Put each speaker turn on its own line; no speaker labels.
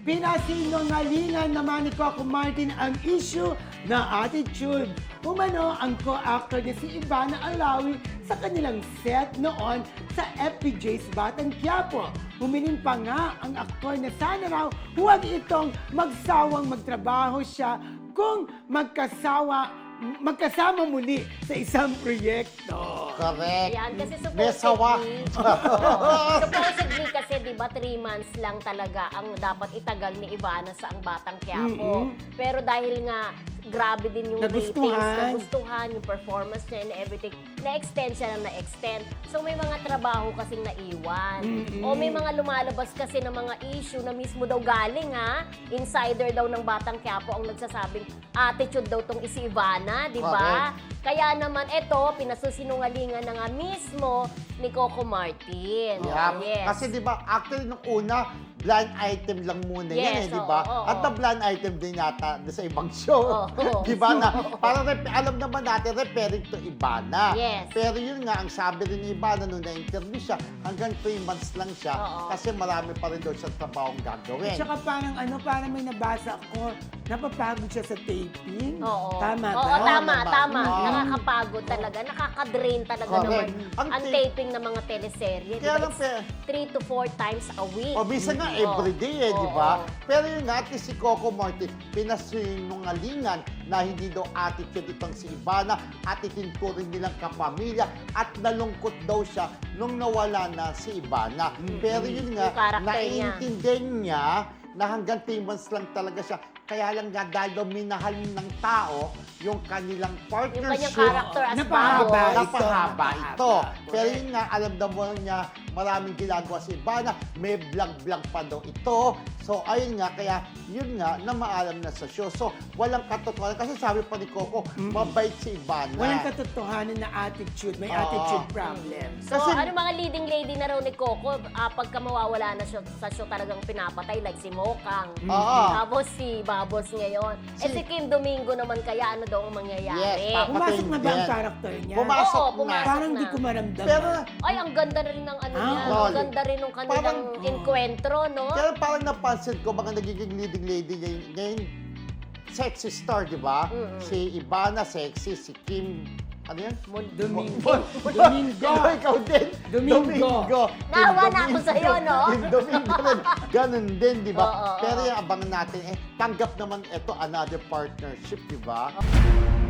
Pinasinungalingan naman ni Coco Martin ang issue na attitude. Umano ang co-actor na si Ivana Alawi sa kanilang set noon sa FPJ's Batang Quiapo. Humiling pa nga ang aktor na sana raw huwag itong magsawang magtrabaho siya kung magkasama muli sa isang proyekto.
Correct.
Yan, kasi
May sawa.
supposedly kasi, di ba, 3 months lang talaga ang dapat itagal ni Ivana sa Ang Batang Quiapo. Pero dahil nga, grabe din yung nagustuhan yung performance niya and everything, na-extend siya na na-extend. So may mga trabaho kasing naiwan. O may mga lumalabas kasi ng mga issue na mismo daw galing insider daw ng Batang Quiapo ang nagsasabing attitude daw tong si Ivana, di ba? Kaya naman ito, pinasusinungalingan na nga mismo ni Coco Martin.
Yeah.
Yes.
Kasi di ba, actually nung una, blind item lang muna yan di ba? At na blind item din yata sa ibang show. Di ba na, parang alam naman natin, referring to Ivana.
Yes.
Pero yun nga, ang sabi rin ni Ivana nung na-interview siya, hanggang 3 months lang siya kasi marami pa rin daw siya trabahong gagawin.
At saka parang may nabasa ako, napapagod siya sa taping. Tama ba?
Oo, tama. Nakakapagod talaga. Nakaka-drain talaga naman ang taping ng mga teleserye.
Kaya lang,
3 to 4 times a week.
O minsan nga everyday di ba? Pero yun nga, at least si Coco Martin, pinasinungalingan na hindi daw attitude itong si Ivana at itinuturing nilang kapamilya at nalungkot daw siya nung nawala na si Ivana. Pero yun nga, naiintindihan niya na hanggang 3 months lang talaga siya. Kaya lang nga dahil daw minahal ng tao yung kanilang partnership.
Yung kanyang character as
napahaba ito. Pero yun nga, alam daw mo niya, maraming ginagawa si Ivana, may vlog-vlog pa daw ito. So, ayun nga, kaya yun nga, na maalam na sa show. So, walang katotohanan. Kasi sabi pa ni Coco, mabait si Ivana.
Walang katotohanan na attitude. May attitude problem.
So, mga leading lady na raw ni Coco, pagka mawawala na siya sa show talagang pinapatay, like si Mokang. Tapos si Babos ngayon. Si Kim Domingo naman kaya ano daw ang mangyayari?
Yes,
pumasok na ba ang character niya?
Pumasok
na.
Parang hindi ko maramdaman.
Pero,
ay, ang ganda rin ng ano niya. Ang ganda rin ng kanilang enkwentro, no?
Pero parang napansin ko, mga nagiging leading lady ngayon, sexy star, di ba? Si Ivana, sexy. Si Kim, ano yan?
Domingo.
Ikaw din.
Domingo.
Nahawa na ako sa'yo, no?
Yung Domingo rin. Ganun din, di ba? Pero yung abangan natin, tanggap naman ito, another partnership, di ba?